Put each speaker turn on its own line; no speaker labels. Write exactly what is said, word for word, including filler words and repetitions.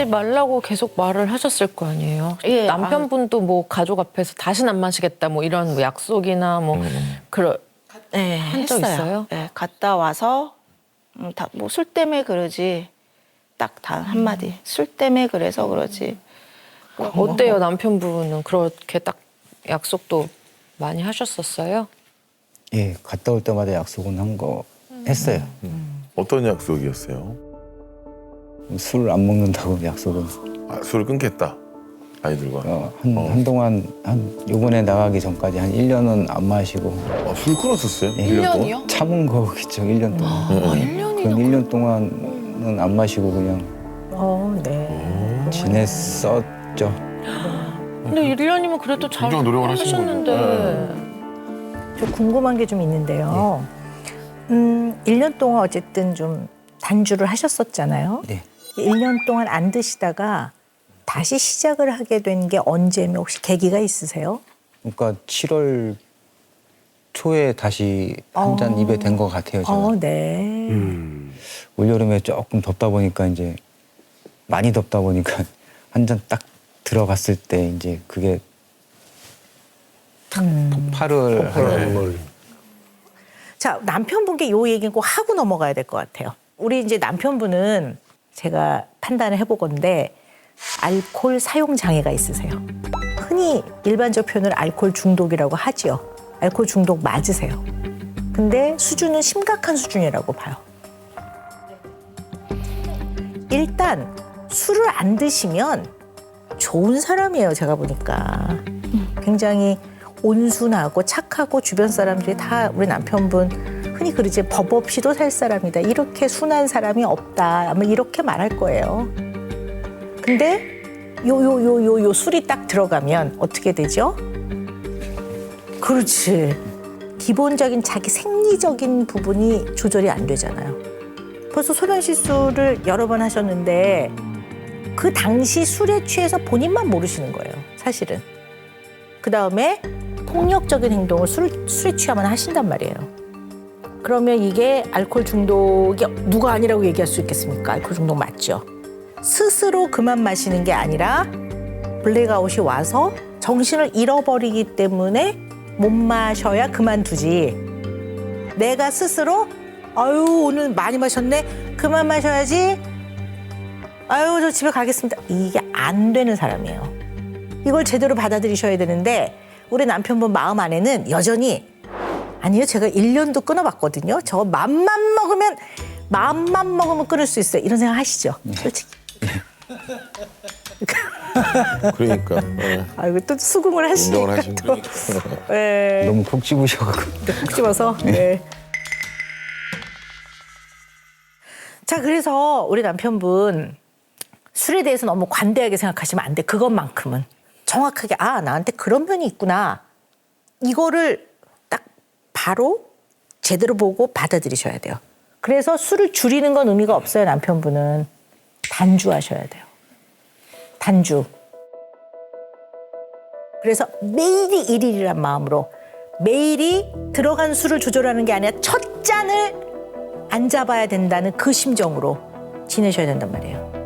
말라고 계속 말을 하셨을 거 아니에요?
예,
남편분도 뭐 가족 앞에서 다시는 안 마시겠다 뭐 이런 뭐 약속이나 뭐
음.
그런
네,
한 적
했어요.
있어요?
네, 갔다 와서 음, 다 뭐 술 때문에 그러지 딱 단 한마디 술 때문에 그래서 그러지.
어때요? 남편분은 그렇게 딱 약속도 많이 하셨었어요?
예, 갔다 올 때마다 약속은 한 거 했어요.
어떤 약속이었어요?
술 안 먹는다고 약속은
아, 술을 끊겠다. 아이들과.
어, 한,
어.
한동안 한 요번에 나가기 전까지 한 일 년은 안 마시고
아, 술 끊었었어요?
예.
일 년 동안?
참은 거겠죠, 일 년 동안.
응,
일
응.
년이나.
그럼 일 년 동안은 안 마시고 그냥
어, 네.
지냈었죠.
근데 일 년이면 그래도 잘
굉장히 노력을 하신
하셨는데.
거죠.
좀 궁금한 게 좀 있는데요. 음, 일 년 동안 어쨌든 좀 단주를 하셨었잖아요.
네.
일 년 동안 안 드시다가 다시 시작을 하게 된 게 언제면 혹시 계기가 있으세요?
그러니까 칠월 초에 다시 한 잔
어.
입에 댄 것 같아요, 제가.
어, 네.
음.
올여름에 조금 덥다 보니까 이제 많이 덥다 보니까 한 잔 딱 들어갔을 때 이제 그게 탁 폭발을 하는
자, 남편분께 요 얘기는 꼭 하고 넘어가야 될 것 같아요. 우리 이제 남편분은 제가 판단을 해보건데 알코올 사용 장애가 있으세요. 흔히 일반적 표현을 알코올 중독이라고 하지요. 알코올 중독 맞으세요. 근데 수준은 심각한 수준이라고 봐요. 일단 술을 안 드시면 좋은 사람이에요, 제가 보니까. 굉장히 온순하고 착하고 주변 사람들이 다 우리 남편분 흔히 그러지 법 없이도 살 사람이다. 이렇게 순한 사람이 없다. 아마 이렇게 말할 거예요. 근데 요 요 요 요 요 술이 딱 들어가면 어떻게 되죠? 그렇지. 기본적인 자기 생리적인 부분이 조절이 안 되잖아요. 벌써 소변실수를 여러 번 하셨는데 그 당시 술에 취해서 본인만 모르시는 거예요, 사실은. 그다음에 폭력적인 행동을 술, 술에 취하면 하신단 말이에요. 그러면 이게 알코올 중독이 누가 아니라고 얘기할 수 있겠습니까? 알코올 중독 맞죠? 스스로 그만 마시는 게 아니라 블랙아웃이 와서 정신을 잃어버리기 때문에 못 마셔야 그만두지. 내가 스스로 아유 오늘 많이 마셨네. 그만 마셔야지. 아유 저 집에 가겠습니다. 이게 안 되는 사람이에요. 이걸 제대로 받아들이셔야 되는데 우리 남편분 마음 안에는 여전히 아니요 제가 일 년도 끊어봤거든요. 저 맘만 먹으면 마음만 먹으면 끊을 수 있어요. 이런 생각 하시죠? 솔직히.
그러니까. 예.
아이고 또 수긍을 하시니까
인정을 하시는
또. 네.
너무 콕 집으셔가지고.
콕 집어서. 네. 자 그래서 우리 남편분 술에 대해서 너무 관대하게 생각하시면 안 돼. 그것만큼은 정확하게 아 나한테 그런 면이 있구나. 이거를 딱 바로 제대로 보고 받아들이셔야 돼요. 그래서 술을 줄이는 건 의미가 없어요. 남편분은 단주하셔야 돼요. 단주. 그래서 매일이 일일이란 마음으로 매일이 들어간 술을 조절하는 게 아니라 첫 잔을 안 잡아야 된다는 그 심정으로 지내셔야 된단 말이에요.